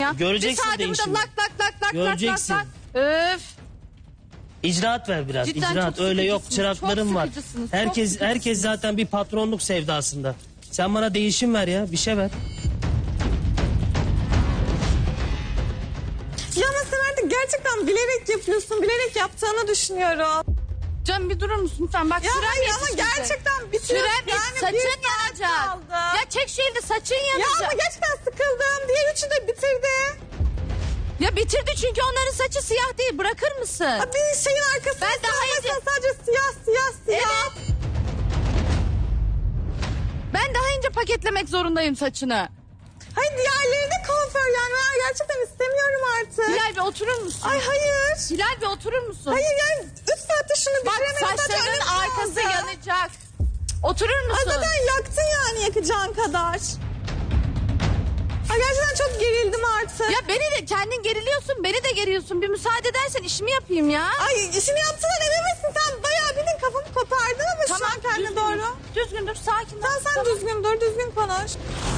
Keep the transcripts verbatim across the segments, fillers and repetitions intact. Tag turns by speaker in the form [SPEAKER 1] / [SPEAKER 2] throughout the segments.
[SPEAKER 1] ya.
[SPEAKER 2] Göreceksin
[SPEAKER 1] bir
[SPEAKER 2] değişimi.
[SPEAKER 1] burada lak lak lak lak
[SPEAKER 2] Göreceksin.
[SPEAKER 1] lak lak. Öf.
[SPEAKER 2] İcraat ver biraz.
[SPEAKER 1] Cidden
[SPEAKER 2] İcraat
[SPEAKER 1] çok
[SPEAKER 2] öyle yok.
[SPEAKER 1] sıkıcısınız,
[SPEAKER 2] Çıraklarım
[SPEAKER 1] çok
[SPEAKER 2] var.
[SPEAKER 1] sıkıcısınız, çok
[SPEAKER 2] Herkes
[SPEAKER 1] sıkıcısınız.
[SPEAKER 2] herkes zaten bir patronluk sevdasında. Sen bana değişim ver ya. Bir şey ver.
[SPEAKER 3] Ya ama sen artık gerçekten bilerek yapıyorsun. Bilerek yaptığını düşünüyorum.
[SPEAKER 1] Canım bir durur musun lütfen? Bak
[SPEAKER 3] Ya
[SPEAKER 1] sürem
[SPEAKER 3] hayır ama
[SPEAKER 1] yetişmeyecek.
[SPEAKER 3] gerçekten bitiyor.
[SPEAKER 1] Sürem
[SPEAKER 3] Yani
[SPEAKER 1] yani saçın
[SPEAKER 3] bir saat
[SPEAKER 1] yanacak.
[SPEAKER 3] kaldı.
[SPEAKER 1] Ya çek şu elini saçın
[SPEAKER 3] Ya
[SPEAKER 1] yanacak.
[SPEAKER 3] ama gerçekten sıkıldım. Diğer üçü de bitirdi.
[SPEAKER 1] Ya bitirdi çünkü onların saçı siyah değil. Bırakır mısın?
[SPEAKER 3] Ha, bir şeyin arkasında
[SPEAKER 1] Ben daha
[SPEAKER 3] mesela
[SPEAKER 1] önce-
[SPEAKER 3] sadece siyah siyah siyah.
[SPEAKER 1] Evet. Ben daha önce paketlemek zorundayım saçını.
[SPEAKER 3] Hayır diğerleri de kuaför yani. Ben gerçekten istemiyorum artık.
[SPEAKER 1] Hilal bir oturur musun?
[SPEAKER 3] Ay hayır.
[SPEAKER 1] Hilal bir oturur musun?
[SPEAKER 3] Hayır yani üç saatte şunu
[SPEAKER 1] Bak
[SPEAKER 3] bitiremedim. Zaten
[SPEAKER 1] saçlarının
[SPEAKER 3] önüm
[SPEAKER 1] arkası
[SPEAKER 3] kaldı.
[SPEAKER 1] yanacak. Oturur
[SPEAKER 3] Ay
[SPEAKER 1] musun?
[SPEAKER 3] zaten yaktın yani yakacağın kadar. Ay gerçekten çok gerildim artık.
[SPEAKER 1] Ya beni de kendin geriliyorsun, beni de geriyorsun. Bir müsaade edersen işimi yapayım ya.
[SPEAKER 3] Ay işini yaptığına emin misin? Sen bayağı bildiğin kafamı kopardın ama şu an kendine
[SPEAKER 1] düzgün
[SPEAKER 3] doğru.
[SPEAKER 1] dur. Düzgün dur, sakin ol.
[SPEAKER 3] Sen sen düzgün dur, düzgün konuş.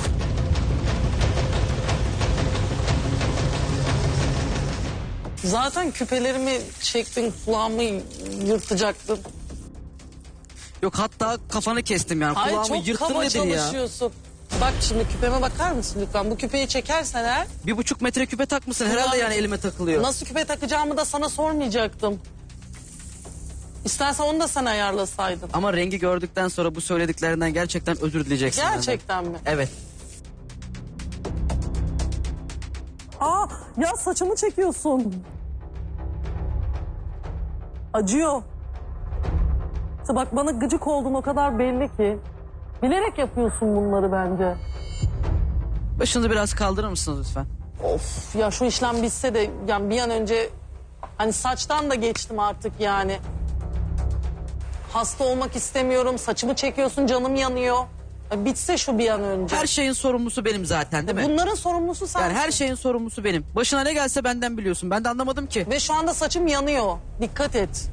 [SPEAKER 4] Zaten küpelerimi çektin, kulağımı yırtacaktın.
[SPEAKER 5] Yok hatta kafanı kestim yani.
[SPEAKER 4] Hayır
[SPEAKER 5] Kulağımı
[SPEAKER 4] çok
[SPEAKER 5] yırttın
[SPEAKER 4] kaba
[SPEAKER 5] nedir ya?
[SPEAKER 4] çalışıyorsun. Bak şimdi küpeme bakar mısın lütfen? Bu küpeyi çekersen eğer
[SPEAKER 5] Bir buçuk metre küpe takmışsın herhalde
[SPEAKER 4] Kulağım-
[SPEAKER 5] yani elime takılıyor.
[SPEAKER 4] nasıl küpe takacağımı da sana sormayacaktım. İstersen onu da sen ayarlasaydın.
[SPEAKER 5] Ama rengi gördükten sonra bu söylediklerinden gerçekten özür dileyeceksin. benden.
[SPEAKER 4] Gerçekten mi?
[SPEAKER 5] Evet.
[SPEAKER 6] Aa ya saçımı çekiyorsun. Acıyor. İşte bak bana gıcık oldun o kadar belli ki. Bilerek yapıyorsun bunları bence.
[SPEAKER 5] Başınızı biraz kaldırır mısınız lütfen?
[SPEAKER 4] Of ya şu işlem bitse de yani bir an önce hani saçtan da geçtim artık yani. Hasta olmak istemiyorum. Saçımı çekiyorsun, canım yanıyor. Ya bitse şu bir an önce.
[SPEAKER 5] Her şeyin sorumlusu benim zaten değil mi?
[SPEAKER 4] Bunların sorumlusu sensin.
[SPEAKER 5] Yani her şeyin sorumlusu benim. Başına ne gelse benden biliyorsun. Ben de anlamadım ki.
[SPEAKER 4] Ve şu anda saçım yanıyor. Dikkat et.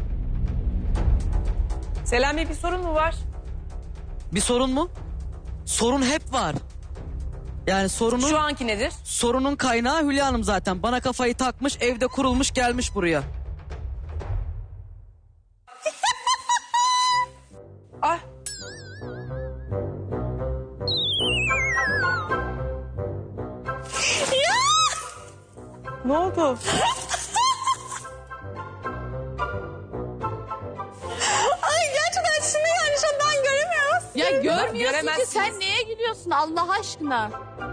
[SPEAKER 7] Selam Bey bir sorun mu var?
[SPEAKER 5] Bir sorun mu? Sorun hep var. Yani sorunun,
[SPEAKER 7] Şu anki nedir?
[SPEAKER 5] sorunun kaynağı Hülya Hanım zaten. Bana kafayı takmış, evde kurulmuş gelmiş buraya.
[SPEAKER 7] Ah.
[SPEAKER 4] Ne oldu?
[SPEAKER 3] Ay gerçekten şunu yani şu an ben göremiyorum.
[SPEAKER 1] Ya görmüyorsun ki
[SPEAKER 7] göremezsiniz.
[SPEAKER 1] sen neye gülüyorsun Allah aşkına?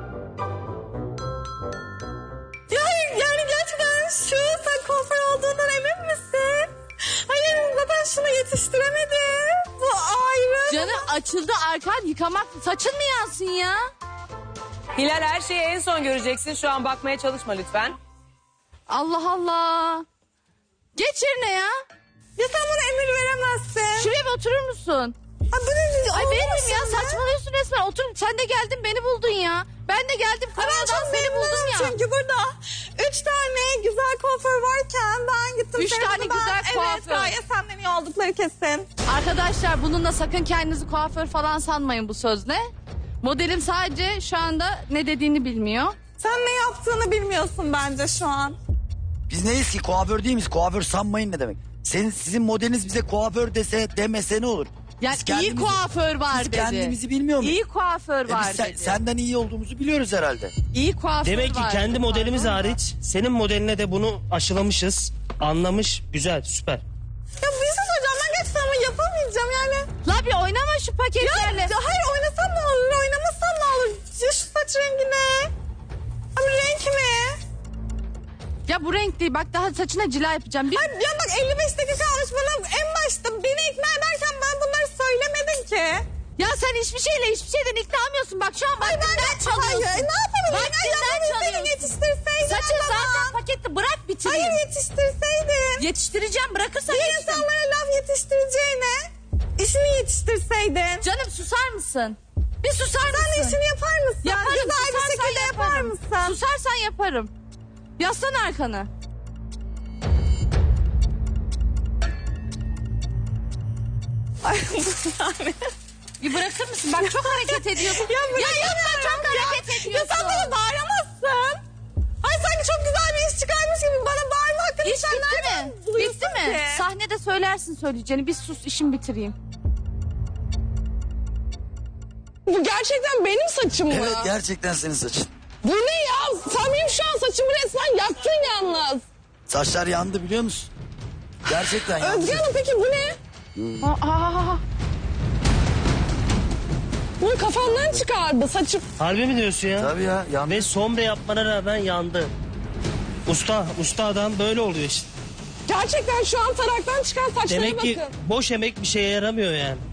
[SPEAKER 3] Ya hayır yani gerçekten şu sen kuaför olduğundan emin misin? Hayır zaten şunu yetiştiremedim. Bu ayrı.
[SPEAKER 1] Canım açıldı arkan yıkamak saçın mı yansın ya?
[SPEAKER 7] Hilal her şeyi en son göreceksin. Şu an bakmaya çalışma lütfen.
[SPEAKER 1] Allah Allah. Geç yerine ya.
[SPEAKER 3] Ya sen bana emir veremezsin.
[SPEAKER 1] Şuraya bir oturur musun?
[SPEAKER 3] Ay bu ne?
[SPEAKER 1] Ay
[SPEAKER 3] Oldu
[SPEAKER 1] benim
[SPEAKER 3] mu
[SPEAKER 1] ya
[SPEAKER 3] şimdi?
[SPEAKER 1] saçmalıyorsun resmen. Otur sen de geldin beni buldun ya. Ben de geldim
[SPEAKER 3] Ay ben
[SPEAKER 1] Kanada'dan
[SPEAKER 3] çok
[SPEAKER 1] seni buldum
[SPEAKER 3] memnunum
[SPEAKER 1] ya.
[SPEAKER 3] çünkü burada üç tane güzel kuaför varken ben gittim.
[SPEAKER 1] Üç
[SPEAKER 3] seni
[SPEAKER 1] tane
[SPEAKER 3] buldum.
[SPEAKER 1] güzel
[SPEAKER 3] Evet
[SPEAKER 1] kuaför.
[SPEAKER 3] gayet senden iyi oldukları kesin.
[SPEAKER 1] Arkadaşlar bununla sakın kendinizi kuaför falan sanmayın bu sözle. Modelim sadece şu anda ne dediğini bilmiyor.
[SPEAKER 3] Sen ne yaptığını bilmiyorsun bence şu an.
[SPEAKER 8] Biz neyiz ki? Kuaför değil miyiz? Kuaför sanmayın ne demek? Senin, sizin modeliniz bize kuaför dese demese ne olur?
[SPEAKER 1] Yani
[SPEAKER 8] Biz
[SPEAKER 1] iyi
[SPEAKER 8] kendimizi-
[SPEAKER 1] kuaför var
[SPEAKER 8] Biz
[SPEAKER 1] dedi.
[SPEAKER 8] kendimizi bilmiyor muyuz?
[SPEAKER 1] İyi kuaför
[SPEAKER 8] E biz
[SPEAKER 1] var
[SPEAKER 8] sen-
[SPEAKER 1] dedi.
[SPEAKER 8] senden iyi olduğumuzu biliyoruz herhalde.
[SPEAKER 1] İyi kuaför
[SPEAKER 2] Demek ki
[SPEAKER 1] var
[SPEAKER 2] kendi
[SPEAKER 1] dedi.
[SPEAKER 2] modelimiz
[SPEAKER 1] Pardon da.
[SPEAKER 2] hariç senin modeline de bunu aşılamışız. Anlamış. Güzel, süper.
[SPEAKER 3] Ya bir şey söyleyeceğim ben gerçekten ama yapamayacağım yani.
[SPEAKER 1] La bir oynama şu
[SPEAKER 3] Ya,
[SPEAKER 1] paketlerle.
[SPEAKER 3] ya hayır oynasam ne olur oynamasam ne olur? Ya şu saç rengi ne? Abi renk mi?
[SPEAKER 1] Ya bu renk değil bak daha saçına cila yapacağım. Bir...
[SPEAKER 3] Ay ya bak elli beş dakika almış bana en başta beni ikna ederken ben bunları söylemedin ki.
[SPEAKER 1] Ya sen hiçbir şeyle hiçbir şeyden ikna olmuyorsun. Bak şu an
[SPEAKER 3] Ay ben
[SPEAKER 1] vaktinden
[SPEAKER 3] de
[SPEAKER 1] çalıyorsun.
[SPEAKER 3] hayır ne yapabilirim? Ay
[SPEAKER 1] Vaktinden
[SPEAKER 3] yapabilirseydin
[SPEAKER 1] çalıyorsun.
[SPEAKER 3] yetiştirseydin.
[SPEAKER 1] Saçın
[SPEAKER 3] o zaman.
[SPEAKER 1] zaten paketli bırak bitireyim.
[SPEAKER 3] Hayır yetiştirseydin.
[SPEAKER 1] Yetiştireceğim bırakırsan
[SPEAKER 3] Bir
[SPEAKER 1] yetiştireceğim.
[SPEAKER 3] insanlara laf yetiştireceğine işini yetiştirseydin.
[SPEAKER 1] Canım susar mısın? Bir susar
[SPEAKER 3] Sen de
[SPEAKER 1] mısın?
[SPEAKER 3] işini yapar mısın?
[SPEAKER 1] Yaparım,
[SPEAKER 3] Güzel bir
[SPEAKER 1] susarsan
[SPEAKER 3] şekilde yapar
[SPEAKER 1] yaparım.
[SPEAKER 3] mısın?
[SPEAKER 1] Susarsan yaparım. Yaslan arkanı.
[SPEAKER 3] Ay yani.
[SPEAKER 1] Bir bırakır mısın? Bak çok hareket ediyorsun.
[SPEAKER 3] Ya,
[SPEAKER 1] ya yapma çok hareket
[SPEAKER 3] Ya
[SPEAKER 1] ediyorsun.
[SPEAKER 3] sen bana bağıramazsın.
[SPEAKER 1] Bitti mi?
[SPEAKER 3] ki.
[SPEAKER 1] Sahnede söylersin söyleyeceğini. Bir sus işimi bitireyim.
[SPEAKER 3] Bu gerçekten benim saçım mı?
[SPEAKER 8] Evet gerçekten senin saçın.
[SPEAKER 3] Bu ne ya? Sen benim şu an saçımı resmen yaktın yalnız.
[SPEAKER 8] Saçlar yandı biliyor musun? Gerçekten yandı.
[SPEAKER 3] Özge Hanım peki bu ne?
[SPEAKER 1] Aa,
[SPEAKER 3] Bunu kafamdan çıkardı saçım.
[SPEAKER 2] Harbi mi diyorsun ya?
[SPEAKER 8] Tabii ya yandı.
[SPEAKER 2] Ve sombre yapmana rağmen yandı. Usta, usta adam böyle oluyor işte.
[SPEAKER 3] Gerçekten şu an taraktan çıkan saçlara
[SPEAKER 2] Demek
[SPEAKER 3] bakın.
[SPEAKER 2] ki boş emek bir şeye yaramıyor yani.